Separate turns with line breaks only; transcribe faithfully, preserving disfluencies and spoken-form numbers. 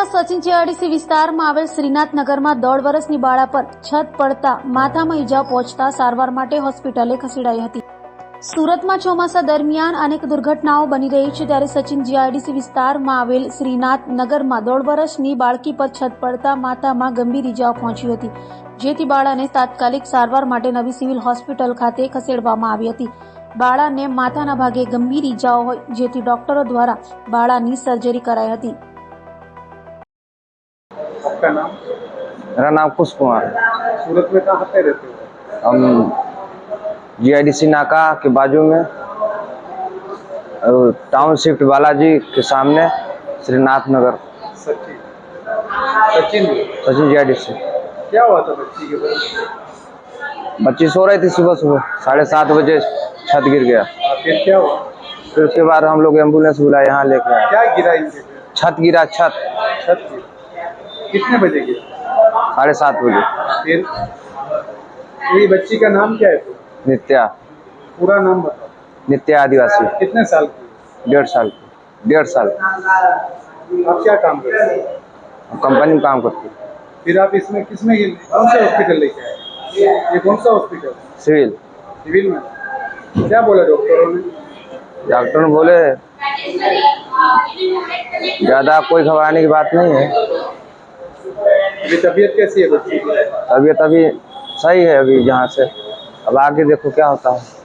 સુરતના સચિન જીઆઈડીસી વિસ્તારમાં આવેલ શ્રીનાથનગરમાં દોઢ વર્ષની બાળા પર છત પડતા માથામાં ઈજા પહોંચતા સારવાર માટે હોસ્પિટલે ખસેડાઈ હતી। સુરતમાં ચોમાસા દરમિયાન અનેક દુર્ઘટનાઓ બની રહી છે, ત્યારે સચિન જીઆઈડીસી વિસ્તારમાં આવેલ શ્રીનાથનગરમાં દોઢ વર્ષની બાળકી પર છત પડતા માથામાં ગંભીર ઈજાઓ પહોંચી હતી, જેથી બાળાને તાત્કાલિક સારવાર માટે નવી સિવિલ હોસ્પિટલ ખાતે ખસેડવામાં આવી હતી। બાળાને માથાના ભાગે ગંભીર ઈજાઓ હોય, જેથી ડોક્ટરો દ્વારા બાળાની સર્જરી કરાઈ હતી।
आपका नाम?
मेरा नाम कुश कुमार।
सूरत में कहाँ पे रहते हो?
हम जीआईडीसी नाका के बाजू में टाउन शिफ्ट बालाजी के सामने श्रीनाथ नगर।
सचिन सचिन
सचिन जीआईडीसी।
क्या हुआ था बच्ची के बाद?
बच्ची सो रही थी, सुबह सुबह साढ़े सात बजे छत गिर गया।
फिर क्या हुआ?
फिर उसके बाद हम लोग एम्बुलेंस बुलाए, यहाँ लेके आए।
क्या गिरा इनके?
छत गिरा, छत
छत गिरा। कितने बजे गिरा?
साढ़े सात बजे।
फिर ये बच्ची का नाम क्या है? तो
नित्या।
पूरा नाम बताओ।
नित्या आदिवासी।
कितने साल की?
डेढ़ साल की। डेढ़ साल
आप क्या काम करते हैं?
कंपनी में काम करती।
फिर आप इसमें किसमें कौन सा हॉस्पिटल लेके आए? ये कौन सा हॉस्पिटल?
सिविल।
सिविल में क्या बोला डॉक्टरों ने?
डॉक्टर ने बोले ज्यादा कोई घबराने की बात नहीं है।
अभी तबीयत कैसी है बच्ची की?
तबीयत अभी सही है, अभी यहाँ से अब आगे देखो क्या होता है।